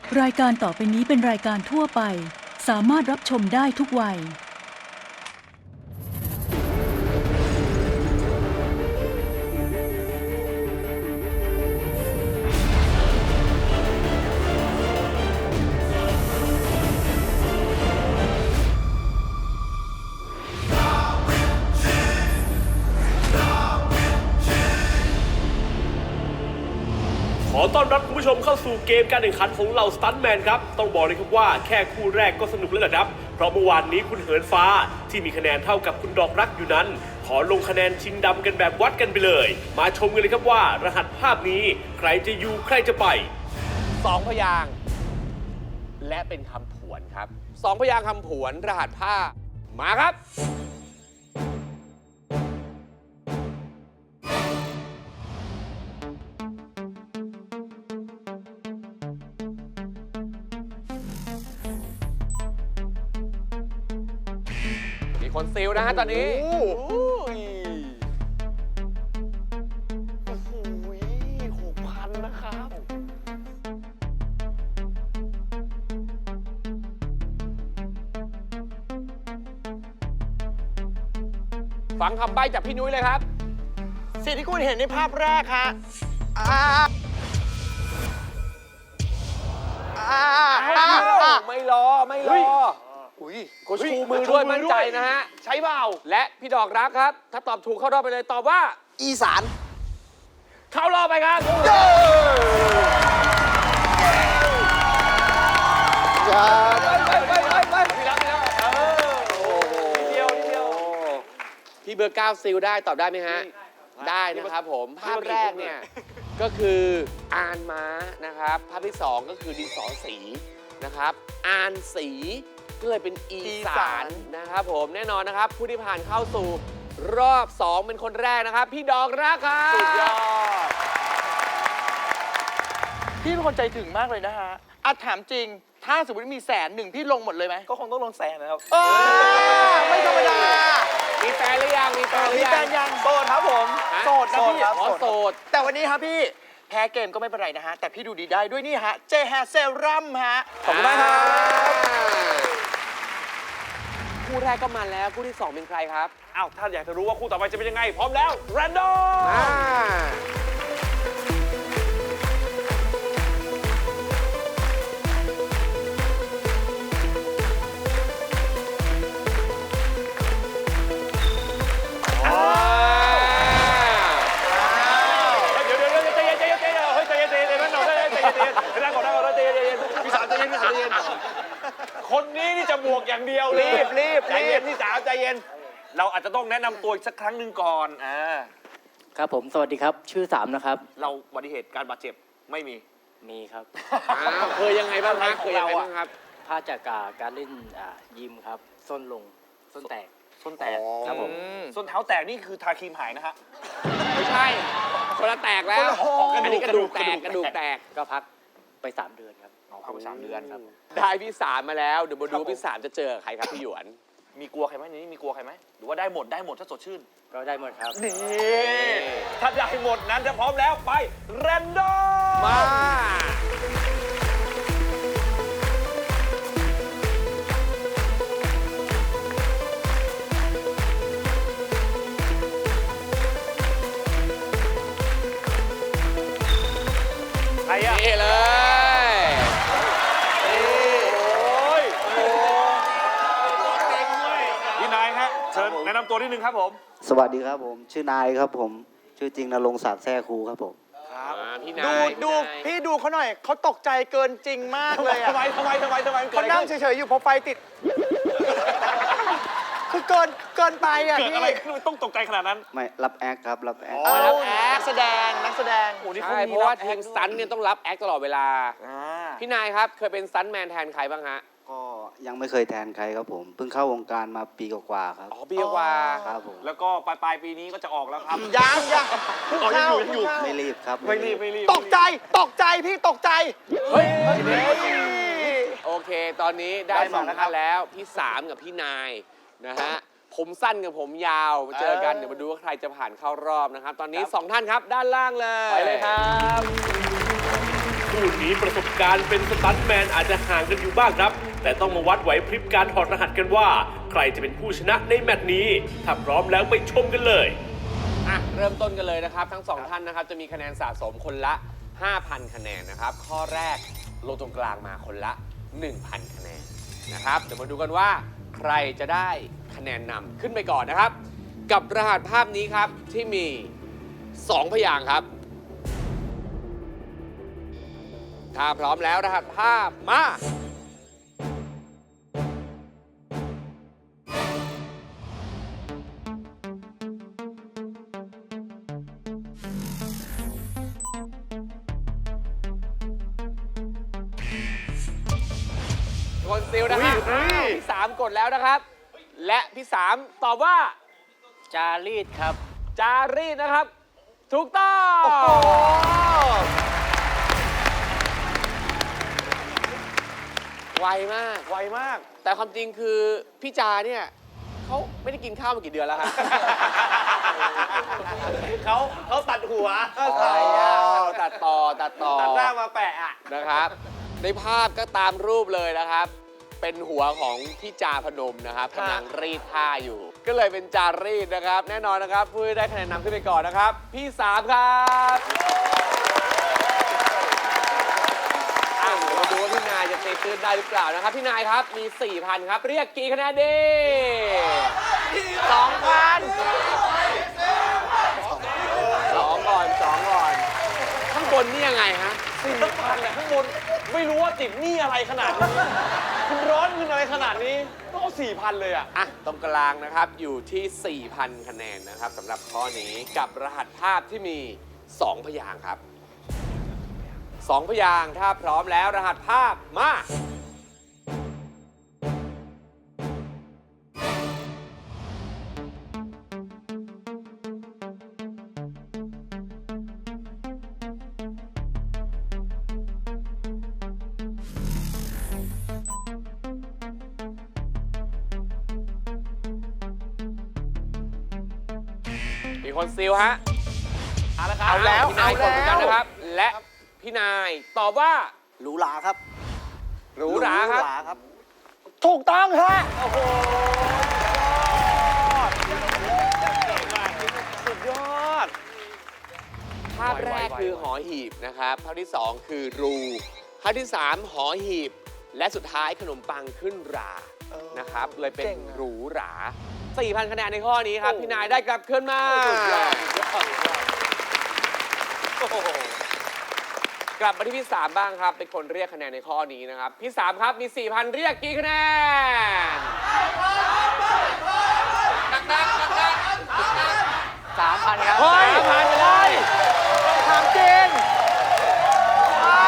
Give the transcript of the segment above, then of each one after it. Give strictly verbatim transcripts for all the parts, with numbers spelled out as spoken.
รายการต่อไปนี้เป็นรายการทั่วไปสามารถรับชมได้ทุกวัยขอต้อนรับคุณผู้ชมเข้าสู่เกมการแข่งขันของเราสตันแมนครับต้องบอกเลยครับว่าแค่คู่แรกก็สนุกแล้วนะครับเพราะเมื่อวานนี้คุณเหินฟ้าที่มีคะแนนเท่ากับคุณดอกรักอยู่นั้นขอลงคะแนนชิงดำกันแบบวัดกันไปเลยมาชมกันเลยครับว่ารหัสภาพนี้ใครจะอยู่ใครจะไปสองพยางค์และเป็นคำผวนครับสองพยางค์คำผวนรหัสภาพมาครับมีคนซิลนะฮะตอนนี้โอ้โหหกพันนะครับฟังคำใบ้จากพี่นุ้ยเลยครับสิ่งที่คุณเห็นในภาพแรกฮะอ่าอ่าอ่าอ่าไม่รอไม่รออุ้ยเขาชูมือด้วยมั่นใจนะฮะใช้เปล่าและพี่ดอกรักครับถ้าตอบถูกเข้ารอบไปเลยตอบว่าอีสานเข้ารอบไปครับอย่าไปไปไปไปพี่รักพี่รักเออโอ้โหนิดเดียวนิดเดียวพี่เบอร์เก้าซิลได้ตอบได้ไหมฮะได้นะครับผมภาพแรกเนี่ยก็คืออานม้านะครับภาพที่สองก็คือดินสอสีนะครับอานสีก็เลยเป็นอีสานนะครับผมแน่นอนนะครับผู้ที่ผ่านเข้าสู่รอบสองเป็นคนแรกนะครับพี่ดอกรักครับสุดยอดพี่เป็นคนใจถึงมากเลยนะฮะอ่ะถามจริงถ้าสมมติมีแสนหนึ่งพี่ลงหมดเลยไหมก็คงต้องลงแสนนะครับเออไม่ธรรมดามีแฟนหรือยังมีแฟนหรือมียังแฟนยังโสดครับผมโสดนะพี่ขอโสดแต่วันนี้ครับพี่แพ้เกมก็ไม่เป็นไรนะฮะแต่พี่ดูดีได้ด้วยนี่ฮะเจแฮเซรั่มฮะขอบคุณมากครับคู่แรกก็มาแล้วคู่ที่สองเป็นใครครับอ้าวถ้าอยากจะรู้ว่าคู่ต่อไปจะเป็นยังไงพร้อมแล้วแรนดอมคนนี้นี่จะบวกอย่างเดียวรีบรีบใจเย็นพี่สาวใจเย็นเราอาจจะต้องแนะนำตัวอีกสักครั้งหนึ่งก่อนอ่าครับผมสวัสดีครับชื่อสามนะครับเราอุบัติเหตุการบาดเจ็บไม่มีมีครับเคยยังไงบ้างครับเคยยังไงบ้างครับพลาดจากการเล่นยิมครับส้นลงส้นแตกส้นแตกครับผมส้นเท้าแตกนี่คือทาครีมหายนะฮะไม่ใช่คนละแตกแล้วอันนี้กระดูกแตกกระดูกแตกก็พักไปสามเดือนครับพักไปสามเดือนครับได้พี่สามมาแล้วเดี๋ยวมาดูพี่สามจะเจอใครครับพี่หยวนมีกลัวใครไหมนี่มีกลัวใครไหมหรือว่าได้หมดได้หมดถ้าสดชื่นก็ได้หมดครับนี่ถ้าได้หมดนั้นจะพร้อมแล้วไปแรนดอมมาใครอะนี่เลยพี่นายฮะเชิญแนะนำตัวนิดนึงครับผมสวัสดีครับผมชื่อนายครับผมชื่อจริงณรงค์ศักดิ์แท้ครูครับผมครับพี่นายดูดูพี่ดูเขาหน่อยเขาตกใจเกินจริงมากเลยอะทำไมทำไมทำไมทำไมเขานั่งเฉยๆอยู่พอไฟติดคือเกินเกินไปอ่ะพี่เกิดอะไรขึ้นต้องตกใจขนาดนั้นไม่รับแอคครับรับแอครับแอคแสดงนักแสดงใช่เพราะว่าทีมซันเนี่ยต้องรับแอคตลอดเวลาพี่นายครับเคยเป็นซันแมนแทนใครบ้างฮะก็ยังไม่เคยแทนใครครับผมเพิ่งเข้าวงการมาปีกว่าๆครับอ๋อปีกว่าครับผมแล้วก็ปลายปลายปีนี้ก็จะออกแล้วครับยังยังอ๋อยังอยู่ยังอยู่ไม่รีบครับไม่รีบไม่รีบตกใจตกใจพี่ตกใจเฮ้ยโอเคตอนนี้ได้สองท่านแล้วพี่สามกับพี่นายนะฮะผมสั้นกับผมยาวมาเจอกันเดี๋ยวมาดูว่าใครจะผ่านเข้ารอบนะครับตอนนี้สองท่านครับด้านล่างเลยไปเลยครับคู่นี้นี้ประสบการณ์เป็นสตันท์แมนอาจจะห่างกันอยู่บ้างครับ แต่ต้องมาวัดไหวพริบการถอดรหัสกันว่า ใครจะเป็นผู้ชนะในแมตช์นี้ ถ้าพร้อมแล้วไปชมกันเลยอ่ะเริ่มต้นกันเลยนะครับทั้งสองท่านนะครับจะมีคะแนนสะสมคนละ ห้าพัน คะแนนนะครับข้อแรกลงตรงกลางมาคนละ หนึ่งพัน คะแนนนะครับเดี๋ยวมาดูกันว่าใครจะได้คะแนนนำขึ้นไปก่อนนะครับ กับรหัสภาพนี้ครับที่มี สอง พยางค์ครับถ้าพร้อมแล้วรหัสภาพมาคนซิลนะครับพี่สามกดแล้วนะครับ และพี่สามตอบว่าจารีตครับจารีตนะครับ ถูกต้อง ไวมากไวมากแต่ความจริงคือพี่จาเนี่ยเขาไม่ได้กินข้าวมากี่เดือนแล้วครับเขาเขาตัดหัวใช่ตัดต่อตัดต่อตัดหน้ามาแปะอ่ะนะครับ ในภาพก็ตามรูปเลยนะครับ เป็นหัวของพี่จาพนมนะครับครับกำลังรีดผ้าอยู่ ก็เลยเป็นจารีดนะครับ แน่นอนนะครับผู้ที่ได้คะแนนนำขึ้นไปก่อนนะครับ พี่สามครับอ่ะเดี๋ยวมาดูว่าพี่นายจะตีตื้นได้หรือเปล่านะครับ พี่นายครับมี สี่พัน ครับ เรียกกี่คะแนนดีสองพันสองก่อนสองก่อน ข้างบนนี่ยังไงฮะสี่พันเนี่ยข้างบนไม่รู้ว่าติดหนี้อะไรขนาดนี้คุณร้อนเงินอะไรขนาดนี้ต้องเอาสี่พันเลยอ่ะอ่ะ ตรงกลางนะครับอยู่ที่ สี่พัน คะแนนนะครับสำหรับข้อนี้กับรหัสภาพที่มี สอง พยางค์ครับ สอง พยางค์ถ้าพร้อมแล้วรหัสภาพมา มีคนซิลฮะเอาละครับเอาแล้วพี่นายกดเหมือนกันนะครับ และพี่นายตอบว่าหรูหราครับหรูหราครับหรูหราครับถูกต้องฮะ โอ้โห สุดยอดภาพแรกคือหอหีบนะครับภาพที่สองคือรูภาพที่สามหอหีบ และสุดท้ายขนมปังขึ้นราเออนะครับ เลยเป็นเก่งอะหรูหรา สี่พัน คะแนนในข้อนี้ครับโอ้พี่นายได้กลับขึ้นมาโอ้โหกลับมาที่พี่สามบ้างครับ เป็นคนเรียกคะแนนในข้อนี้นะครับ พี่สามครับมี สี่พัน เรียกกี่คะแนนดังๆดังๆสามพันครับเฮ้ยผ่านไปเลยถามจริงใช่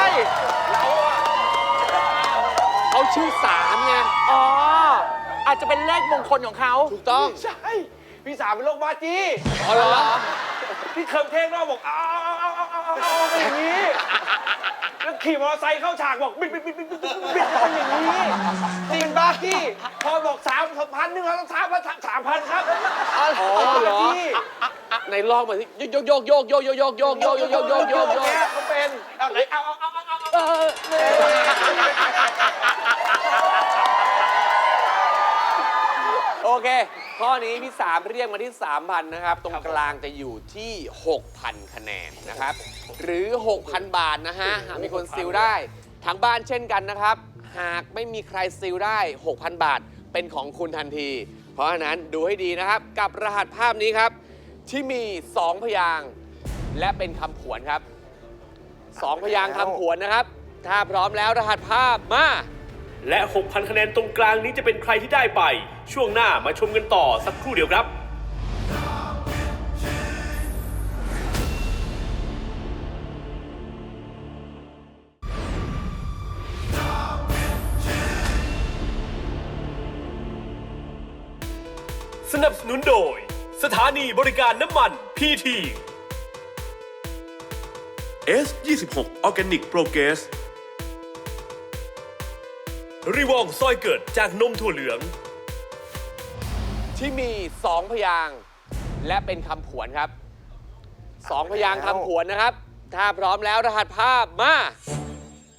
เขาชื่อสามไงอ๋อ อาจจะเป็นเลขมงคลของเขาถูกต้องใช่ พี่สามเป็นโรคบ้าจี้อ๋อเหรอพี่เคิร์มเท่งนอกบอกเอาเอาเอาเอาเอาเอาเอาเป็นอย่างนี้ แล้วขี่มอเตอร์ไซค์เข้าฉากบอกบิดบิดบิดบิดบิดบิดบิดเป็นอย่างนี้จริงบ้าจี้พอบอกสามพันหนึ่งเราต้องสามพันสามพันครับอ๋อเหรอจี้ในลองมาสิโยกโยกโยกโยกโยกโยกโยกโยกโยกโยกโยกโยกโยกเนี่ยเขาเป็นเอาไหนเอาเอาเอาเอาเอาเอาโอเค ข้อนี้พี่สามเรียกมาที่ สามพัน นะครับ ตรงกลางจะอยู่ที่ หกพัน คะแนนนะครับ หรือ หกพัน บาทนะฮะ หากมีคนซิลได้ ทางบ้านเช่นกันนะครับ หากไม่มีใครซิลได้ หกพัน บาท เป็นของคุณทันที เพราะฉะนั้นดูให้ดีนะครับ กับรหัสภาพนี้ครับ ที่มี สอง พยางค์และเป็นคำผวนครับ สอง พยางค์คำผวนนะครับ ถ้าพร้อมแล้วรหัสภาพมาและ หกพัน คะแนนตรงกลางนี้จะเป็นใครที่ได้ไป ช่วงหน้ามาชมกันต่อสักครู่เดียวครับ สนับสนุนโดย สถานีบริการน้ำมันพีที เอส ยี่สิบหก Organic Progress รีวองซอยเกิดจากนมถั่วเหลืองที่มี สอง พยางค์และเป็นคำผวนครับ สอง พยางค์คำผวนนะครับ ถ้าพร้อมแล้วรหัสภาพมา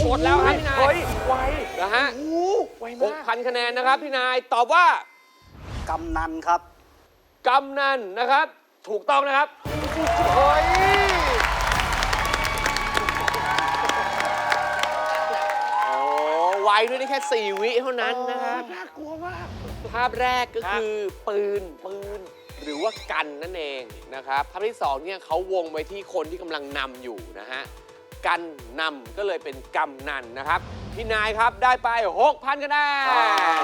หมดแล้วครับพี่นายเฮ้ยไวนะฮะโอ้โหไวหมาก กพันคะแนนนะครับพี่นายตอบว่ากำนันครับกำนันนะครับ ถูกต้องนะครับเฮ้ยโอ้ไวด้วยนี่แค่สี่วิเท่านั้นนะครับน่ากลัวมากภาพแรกก็คือปืนปืนหรือว่ากันนั่นเองนะครับภาพที่สองเนี่ยเขาวงไว้ที่คนที่กำลังนำอยู่นะฮะกันนำก็เลยเป็นกำนันนะครับพี่นายครับได้ไป หกพัน คะแนน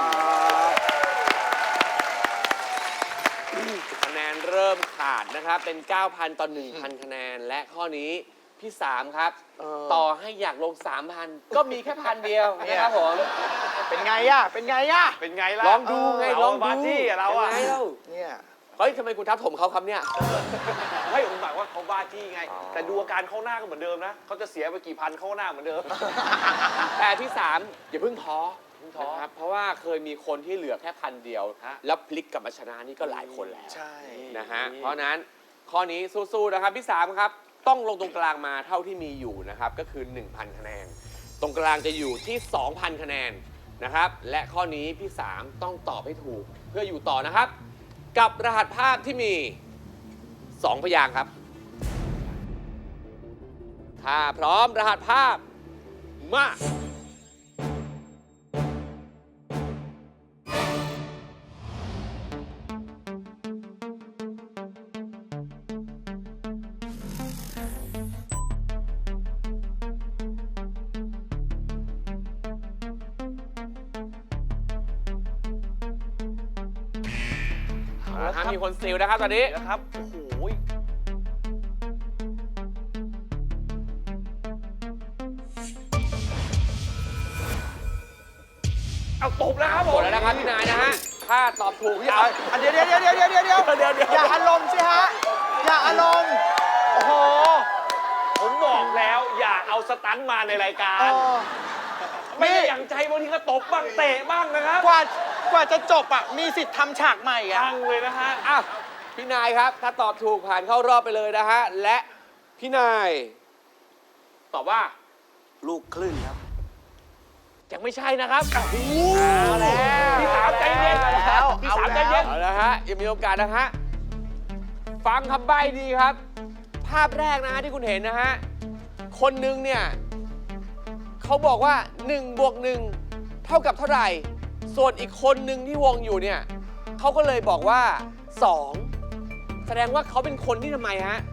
คะแนนเริ่มขาดนะครับเป็น เก้าพัน ต่อ หนึ่งพัน คะแนนและข้อนี้พี่สามครับเออต่อให้อยากลง สามพัน ก็มีแค่พันเดียวนะครับผมเป็นไงอะเป็นไงอะเป็นไงล่ะลองดูไงลองดูบาจี้อะเราอะยังไงเล่าเนี่ยเฮ้ยทำไมคุณทับถมเขาครับเนี่ยไม่ผมหมายว่าเขาบ้าจี้ไงอ๋อแต่ดูอาการเข้าหน้าก็เหมือนเดิมนะเขาจะเสียไปกี่พันเข้าหน้าเหมือนเดิมแต่ที่สามอย่าเพิ่งท้อเพิ่งท้อนะครับเพราะว่าเคยมีคนที่เหลือแค่พันเดียวฮะแล้วพลิกกลับมาชนะนี่ก็หลายคนแล้วใช่นะฮะเพราะฉะนั้นข้อนี้สู้ๆนะครับพี่สามครับต้องลงตรงกลางมาเท่าที่มีอยู่นะครับก็คือ หนึ่งพัน คะแนน ตรงกลางจะอยู่ที่ สองพัน คะแนนนะครับและข้อนี้พี่สามต้องตอบให้ถูกเพื่ออยู่ต่อนะครับ กับรหัสภาพที่มี สอง พยางค์ครับ ถ้าพร้อมรหัสภาพมา เอาละครับมีคนซิลนะครับตอนนี้นะครับ โอ้โห เอาตบแล้วครับผหมมดแล้วนะครับพี่นายนะฮะ ถ้าตอบถูกอย่าเอาอันเดี๋ยวเดี๋ยวเดี๋ยวเดี๋ยวเดี๋ยวเดี๋ยวเดี๋ยวเดี๋ยวอย่าอารมณ์สิฮะ อย่าอารมณ์ โอ้โห ผมบอกแล้วอย่าเอาสตันมาในรายการ ไม่ได้อย่างใจบางทีก็ตบบ้างเตะบ้างนะครับกว่ากว่าจะจบอ่ะ มีสิทธิ์ทำฉากใหม่อ่ะตั้งเลยนะฮะอ่ะพี่นายครับ ถ้าตอบถูกผ่านเข้ารอบไปเลยนะฮะ และพี่นาย ตอบว่าลูกคลื่นครับยังไม่ใช่นะครับเอาแล้วพี่สามใจเย็นเอาแล้วพี่สามใจเย็นเอาละฮะยังมีโอกาสนะฮะ ฟังคำใบ้ดีครับ ภาพแรกนะฮะที่คุณเห็นนะฮะ คนหนึงเนี่ยเขาบอกว่า1บวกหนึ่งเท่ากับเท่าไหร่ ส่วนอีกคนหนึ่งที่วงอยู่เนี่ยเขาก็เลยบอกว่าสองแสดงว่าเขาเป็นคนที่ทำไมฮะ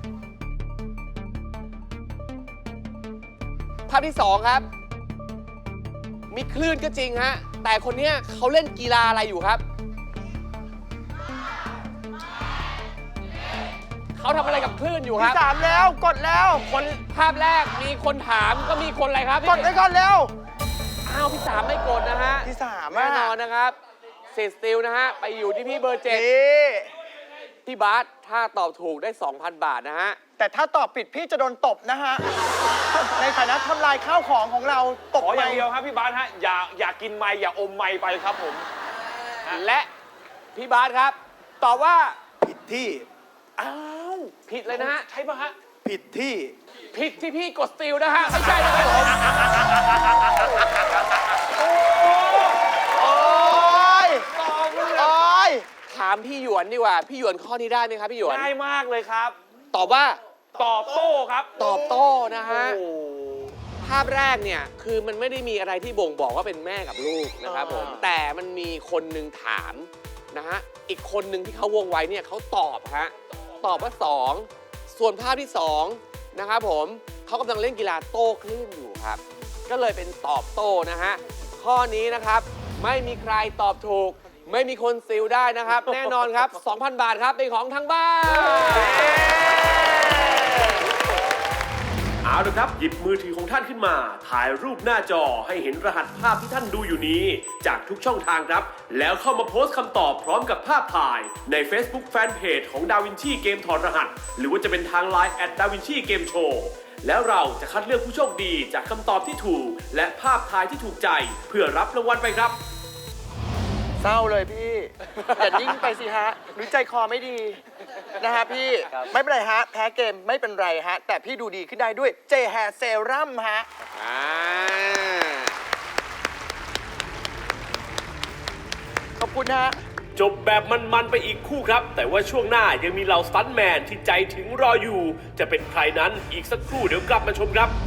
ภาพที่สองครับ มีคลื่นก็จริงฮะ แต่คนเนี้ยเขาเล่นกีฬาอะไรอยู่ครับ เขาทำอะไรกับคลื่นอยู่คที่รับสามแล้วกดแล้วคนภาพแรกมีคนถามก็มีคนอะไรครับกดไปก่อนเร็วอ้าวพี่สามไม่กดนะฮะที่สามแน่อ่ะนอนนะครับเศษสติลนะฮะ ไปอยู่ที่พี่เบอร์เจ็ดนี่พี่บาสถ้าตอบถูกได้ สองพัน บาทนะฮะแต่ถ้าตอบผิดพี่จะโดนตบนะฮะ ในฐานะทำลายข้าวของของเราตบขออย่างไปเดียวครับพี่บาสฮะ อย่าอย่ากินไม้อย่าอมไม้ไปครับผมและพี่บาสครับ ตอบว่าผิดที่อ้าวผิดเลยนะฮะใช่ปะฮะผิดที่ผิดที่พี่กดสติลนะฮะ ไม่ใช่นะครับผมโอ้ยตอบเลยโอ้ยถามพี่หยวนดีกว่า พี่หยวนข้อนี้ได้ไหมครับพี่หยวนง่ายมากเลยครับตอบว่าตอบโต้ครับตอบโต้นะฮะโอ้ภาพแรกเนี่ยคือมันไม่ได้มีอะไรที่บ่งบอกว่าเป็นแม่กับลูกนะครับผมอ่าแต่มันมีคนหนึ่งถามนะฮะอีกคนหนึ่งที่เขาวงไว้เนี่ยเขาตอบฮะตอบว่าสองส่วนภาพที่สองนะครับผมเขากำลังเล่นกีฬาโต้คลื่นอยู่ครับ ก็เลยเป็นตอบโต้นะฮะข้อนี้นะครับไม่มีใครตอบถูก ไม่มีคนซิลได้นะครับ แน่นอนครับ สองพัน บาทครับเป็นของทั้งบ้านเอาละครับ หยิบมือถือของท่านขึ้นมา ถ่ายรูปหน้าจอให้เห็นรหัสภาพที่ท่านดูอยู่นี้ จากทุกช่องทางครับ แล้วเข้ามาโพสต์คำตอบพร้อมกับภาพถ่ายใน Facebook Fanpage ของ DaVinci เกมถอดรหัส หรือว่าจะเป็นทาง ไลน์ แอท ดาวินชีเกมโชว์ แล้วเราจะคัดเลือกผู้โชคดีจากคำตอบที่ถูก และภาพถ่ายที่ถูกใจ เพื่อรับรางวัลไปครับเศร้าเลยพี่ อย่านิ่งไปสิฮะหรือใจคอไม่ดีนะฮะพี่ ไม่เป็นไรฮะ แพ้เกมไม่เป็นไรฮะ แต่พี่ดูดีขึ้นได้ด้วย J Hair Serum ฮะอ่าคุณฮะจบแบบมันๆไปอีกคู่ครับ แต่ว่าช่วงหน้ายังมีเหล่าสตันท์แมนที่ใจถึงรออยู่ จะเป็นใครนั้นอีกสักครู่เดี๋ยวกลับมาชมครับ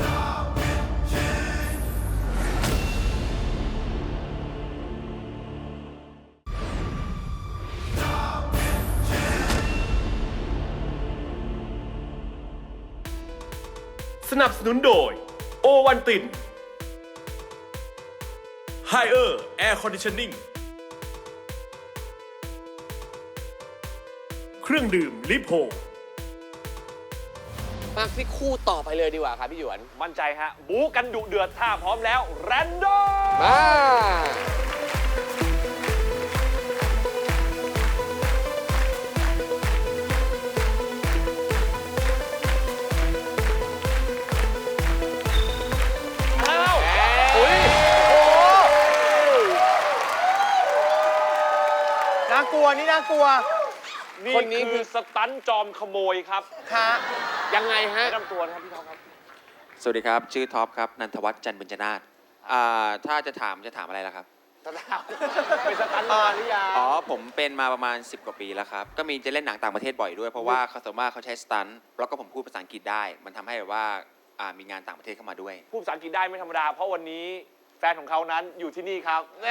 สนับสนุนโดยโอวันตินไฮเออร์แอร์คอนดิชันนิ่งเครื่องดื่มลิโพมาที่คู่ต่อไปเลยดีกว่าครับพี่หยวนมั่นใจฮะ บู๊กันดุเดือดถ้าพร้อมแล้วแรนดอมมาอ้าวอุ้ยน่ากลัวนี่น่ากลัวนี่คนนี้คือสตันท์จอมขโมยครับฮะยังไงฮะแนะนำตัวนะครับพี่ท็อปครับสวัสดีครับ ชื่อท็อปครับ นันทวัฒน์จันทร์บุญจนาถอ่าถ้าจะถามจะถามอะไรล่ะครับเป็นสตันท์มาหรือยังอ๋อ ผมเป็นมาประมาณ สิบ กว่าปีแล้วครับ ก็มีจะเล่นหนังต่างประเทศบ่อยด้วย เพราะว่าเขาสามารถเขาใช้สตันท์แล้วก็ผมพูดภาษาอังกฤษได้ มันทำให้แบบว่าอ่ามีงานต่างประเทศเข้ามาด้วยพูดภาษาอังกฤษได้ไม่ธรรมดา เพราะวันนี้แฟนของเขานั้นอยู่ที่นี่ครับแน่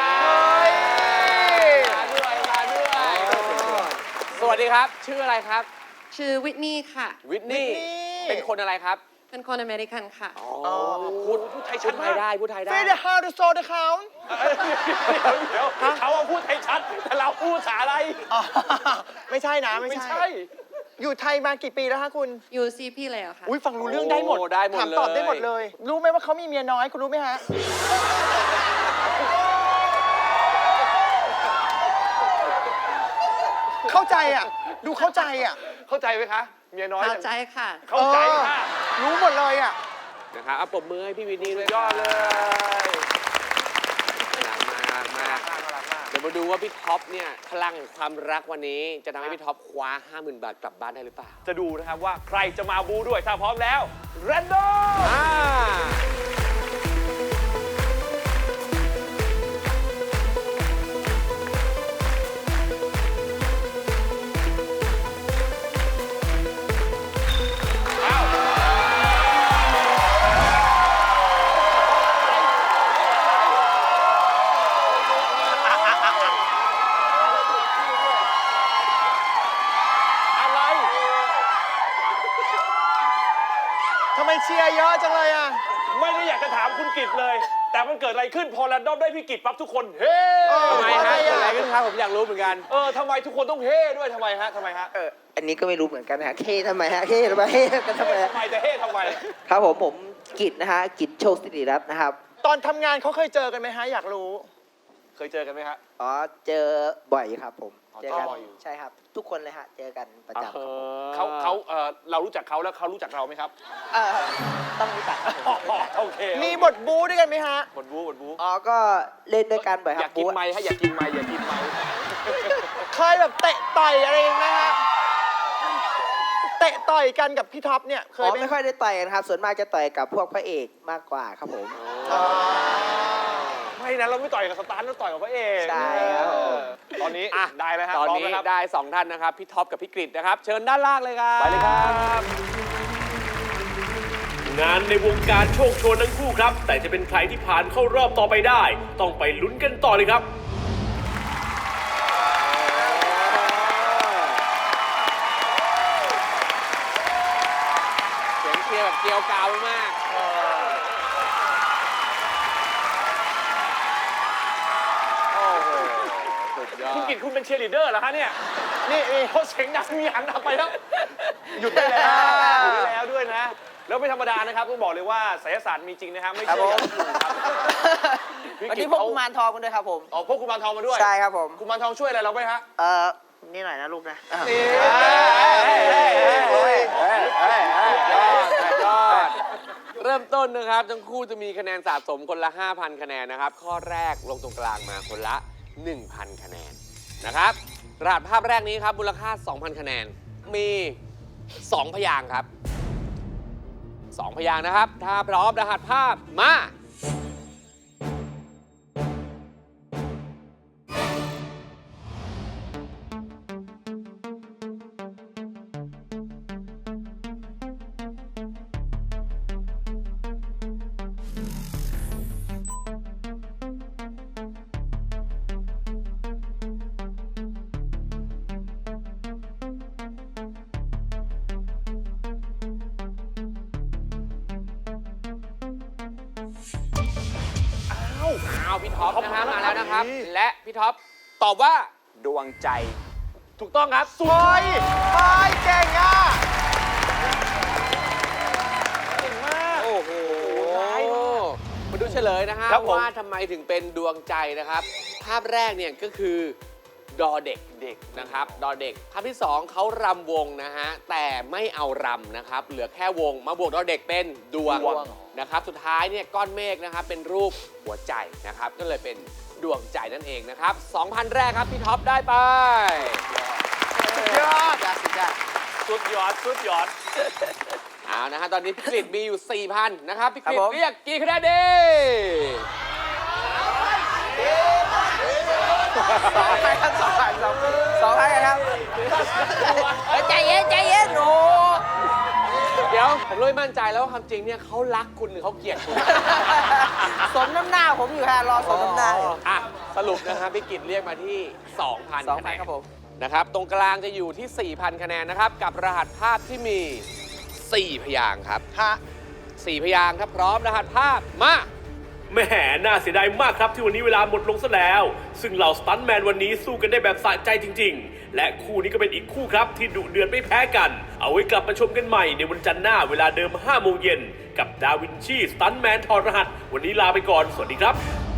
มาด้วยมาด้วย สวัสดีครับ ชื่ออะไรครับชื่อวิทนี่ค่ะวิทนี่ Whitney เป็นคนอะไรครับเป็นคนอเมริกันค่ะอ๋อพูดพูดไทยชัดไทยได้ พูดไทยได้เฟเดฮาร์ดโซเดคาวเดี๋ยวเดี๋ยวเขาเอาพูดไทยชัด แต่เราพูดภาษาอะไรไม่ใช่นะไม่ไม่ใช่ใช่อยู่ไทยมากี่ปีแล้วฮะคุณอยู่ซีพี่เลยเหรอคะอุ้ยฟังรู้เรื่องได้หมดโอ้ได้หมดถามตอบเลยได้หมดเลย รู้ไหมว่าเขามีเมียน้อย คุณรู้ไหมฮะ เข้าใจอ่ะ ดูเข้าใจอ่ะเข้าใจไหมคะ เมียน้อยเข้าใจค่ะเข้าใจค่ะเออรู้หมดเลยอ่ะนะครับเอาปรบมือให้พี่วินนี่ด้วยยอดเลยหลังมาหลังมาเดี๋ยวมาดูว่าพี่ท็อปเนี่ยพลังแห่งความรักวันนี้ จะทำให้พี่ท็อปคว้า ห้าหมื่น บาทกลับบ้านได้หรือเปล่าจะดูนะครับว่าใครจะมาบูด้วย ถ้าพร้อมแล้วแรนดอมอ่าอะไรทำไมเชียร์เยอะจังเลยอ่ะไม่ได้อยากจะถามคุณกิตเลย แต่มันเกิดอะไรขึ้นพอแรนดอมได้พี่กิตปั๊บทุกคนเฮ้เออทำไมฮะเพเกิราะดอะไรอะไรอ่ะขึ้นครับผมอยากรู้เหมือนกันเออทำไมทุกคนต้องเฮ้ด้วยทำไมฮะทำไมฮะเอออันนี้ก็ไม่รู้เหมือนกันนะฮะ เคทำไมฮะ เคทำไม เฮ้กันทำไมฮะทำไมแต่เฮ้ทำไมครับผม ผมกิจนะฮะ กิจโชคสิริรัตน์นะครับตอนทำงานเขาเคยเจอกันไหมฮะ อยากรู้เคยเจอกันไหมฮะอ๋อ เจอบ่อยครับผมอ๋อเจอกันเจอบ่อยอยู่ใช่ครับ ทุกคนเลยฮะ เจอกันประจำครับผมเขาเขาเออเรารู้จักเขาแล้วเขารู้จักเราไหมครับเออต้องรู้จักครับผมโอเคมีบทบู๊ด้วยกันไหมฮะบทบู๊บทบู๊อ๋อ ก็เล่นด้วยกันบ่อยคอรัยาบกกินบู๊ไม้ฮะอยากกินไม้อยากกินไม้เคยแบบเตะต่อยอะไรกันไหมฮะ เตะต่อยกันกับพี่ท็อปเนี่ยเคอ๋ยอไหมไม่ค่อยได้ต่อยกันครับ ส่วนมากจะต่อยกับพวกพระเอกมากกว่าครับผมอ๋อไม่นะเราไม่ต่อยกับสตาร์ทเราต่อยกับพระเอกใช่ครับเออตอนนี้อ่ะได้แล้วฮะตอนพร้มนี้แล้วครับได้สองท่านนะครับ พี่ท็อปกับพี่กฤษนะครับ เชิญด้านล่างเลยครับไปเลยครับงานในวงการโชคโชนทั้งคู่ครับ แต่จะเป็นใครที่ผ่านเข้ารอบต่อไปได้ ต้องไปลุ้นกันต่อเลยครับเสียงเชียร์แบบเกลียวกราวมาก โอ้โห สุดยอดคุณกิตคุณเป็นเชียร์ลีดเดอร์เหรอฮะเนี่ยนี่นี่เขาเสียงดังมีหันกลับไปแล้ว หยุดได้แล้วหยุดได้แล้วด้วยนะ แล้วไม่ธรรมดานะครับต้องบอกเลยว่าไสยศาสตร์มีจริงนะฮะไม่ครับเชื่อผมอย่าลบหลู่ครับวันนี้พวกกุมารทองกันด้วยครับผมอ๋อพวกกุมารทองมาด้วยใช่ครับผมกุมารทองช่วยอะไรเราไหมฮะเออนี่หน่อยนะลูกนะนี่ยอดเริ่มต้นนะครับทั้งคู่จะมีคะแนนสะสมคนละ ห้าพัน คะแนนนะครับ ข้อแรกลงตรงกลางมาคนละ หนึ่งพัน คะแนนนะครับรหัสภาพแรกนี้ครับมูลค่า สองพัน คะแนนมี สอง พยางค์ครับ สอง พยางค์นะครับ ถ้าพร้อมรหัสภาพมาเอาพี่ท็อปนะฮะมาแล้วนะครับ และพี่ท็อปตอบว่าดวงใจถูกต้องครับเฮ้ยเฮ้ยเก่งอ่ะเก่งมากโอ้โหมาดูเฉลยนะฮะครับผมว่าทำไมถึงเป็นดวงใจนะครับ ภาพแรกเนี่ยก็คือดอเด็กเด็กนะครับ ดอเด็ก ภาพที่สองเขารำวงนะฮะ แต่ไม่เอารำนะครับ เหลือแค่วง มาบวกดอเด็กเป็นดวงนะครับ สุดท้ายเนี่ยก้อนเมฆนะครับเป็นรูปหัวใจนะครับ ก็เลยเป็นดวงใจนั่นเองนะครับ 2,000 แรกครับพี่ท็อปได้ไปสุดยอดสุดยอดสุดยอดสุดยอดเอานะฮะตอนนี้พี่กฤษมีอยู่ สี่พัน นะครับ พี่กฤษครับผมเรียกกี่คะแนนดีสองพันครับสองพันสองสองพันครับเฮ้ยใจเย็นใจเย็นโอ้เดี๋ยว ผมเลยมั่นใจแล้วว่าความจริงเนี่ยเขารักคุณหรือเขาเกลียดคุณสมน้ำหน้าผมอยู่ฮะรอสมน้ำหน้าอยู่อ่ะ สรุปนะครับพี่กฤษเรียกมาที่ สองพันสองคะพัแนนนครับผมนะครับ ตรงกลางจะอยู่ที่ สี่พัน คะแนนนะครับ กับรหัสภาพที่มี สี่ พยางค์ครับฮะสี่ พยางค์ถ้าพร้อมรหัสภาพมาแหมน่าเสียดายมากครับที่วันนี้เวลาหมดลงซะแล้ว ซึ่งเหล่าสตันท์แมนวันนี้สู้กันได้แบบสะใจจริงๆ และคู่นี้ก็เป็นอีกคู่ครับที่ดุเดือดไม่แพ้กัน เอาไว้กลับมาชมกันใหม่ในวันจันทร์หน้าเวลาเดิมห้าโมงเย็นกับดาวินชีสตันท์แมนถอดรหัส วันนี้ลาไปก่อน สวัสดีครับ